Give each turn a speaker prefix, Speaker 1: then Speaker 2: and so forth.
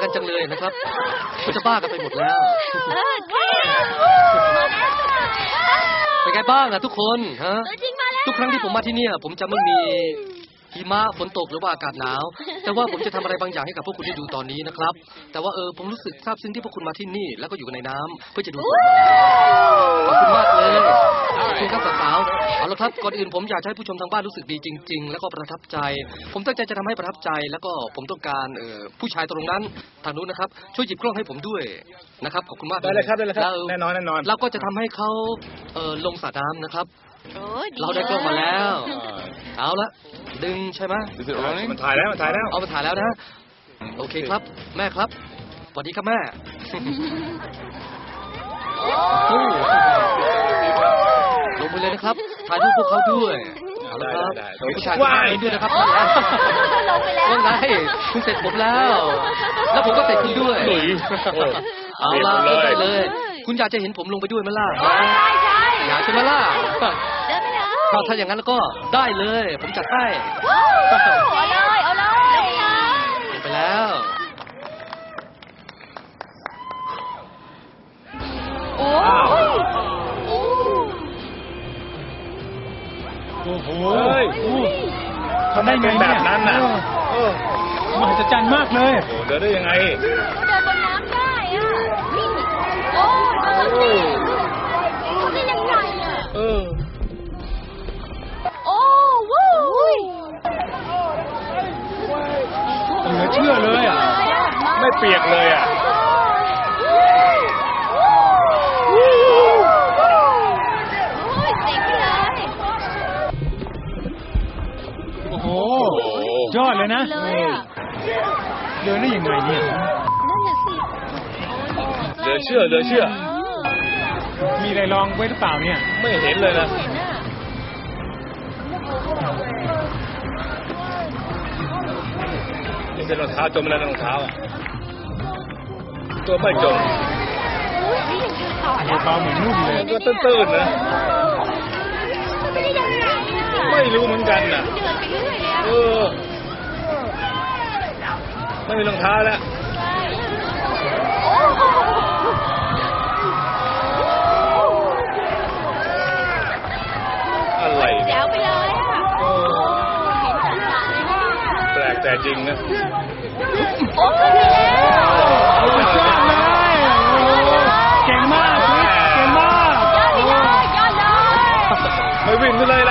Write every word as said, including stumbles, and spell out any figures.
Speaker 1: จังเลยนะครับก็จะบ้ากันไปหมดแล้วเป็นไงบ้างอะทุกคนฮะทุกครั้งที่ผมมาที่นี่ผมจะไม่มีหิมะฝนตกหรือว่าอากาศหนาวแต่ว่าผมจะทำอะไรบางอย่างให้กับพวกคุณได้ดูตอนนี้นะครับแต่ว่าเออผมรู้สึกซาบซึ้งที่พวกคุณมาที่นี่แล้วก็อยู่ในน้ำเพื่อจะดูฝนขอบคุณมากเลยขอบคุณครับสาวๆเอาละครับก่อนอื่นผมอยากให้ผู้ชมทางบ้านรู้สึกดีจริงๆแล้วก็ประทับใจผมตั้งใจจะทำให้ประทับใจแล้วก็ผมต้องการเออผู้ชายตรงนั้นทางนู้นนะครับช่วยหยิบกล้องให้ผมด้วยนะครับขอบคุณมาก
Speaker 2: ได้เลยครับได้เลยครับแน่นอนแน่นอน
Speaker 1: เราก็จะทำให้เขาเออลงสระน้ำนะครับเราได้กล้องมาแล้วเอาละดึงใช่ไหม
Speaker 2: มันถ่ายแล้วมันถ่ายแล้ว
Speaker 1: เอามาถ่ายแล้วนะโอเคครับแม่ครับสวัสดีครับแม่ลงไปเลยนะครับถ่ายรูปพวกเขาด้วยเอาละครับผู้ชายว่ายด้วยนะครับ
Speaker 3: ลงไปแล้ว
Speaker 1: ว่าไงคุณเสร็จผมแล้วแล้วผมก็เสร็จคุณด้วยเอาละได้เลยคุณอยากจะเห็นผมลงไปด้วยไหมล่ะอยากใช่ไหมล่ะถ้าอย่างนั้นแล้วก็ได้เลยผมจัดให้
Speaker 3: เอาเลยเอาเลย
Speaker 1: ไปแล้ว
Speaker 3: โอ้
Speaker 2: โอ้โหทำได้ไงแบบนั้นน่ะมหัศจรรย์มากเลยโอ้เดินได้ยังไง
Speaker 3: เดินบนน้ำได้อ่ะโอ้ทำได้ยังไงอ่ะ
Speaker 2: เออ
Speaker 3: โอ้วู้
Speaker 2: เหลือเชื่อเลยอ่ะไม่เปียกเลยอ่ะโอ้โหยอดเลยนะเดินได้ยังไงเนี่ย
Speaker 3: นั่นน่ะสิ
Speaker 2: เหลือเชื่อเหลือเชื่อมีอะไรลองไว้หรือเปล่าเนี่ยไม่เห็นเลยนะนี่เป็นรองเท้าจมแล้วรองเท้าอ่ะตัวไม่จมเบาเหมือนนุ่มเลยก็ตื้นๆนะไม่รู้เหมือนกันน่ะเออไม่มีรองเท้าแล้วอะไร
Speaker 3: แจ๋วไปเลยอ่ะ
Speaker 2: แปลกแต่จริงนะ
Speaker 3: โอ้ขึ้นไปแล้ว
Speaker 2: เก่งมากเก่งมาก
Speaker 3: ยอดเลยยอดเลย
Speaker 2: ไม่วิ่งขึ้นเลยล่ะ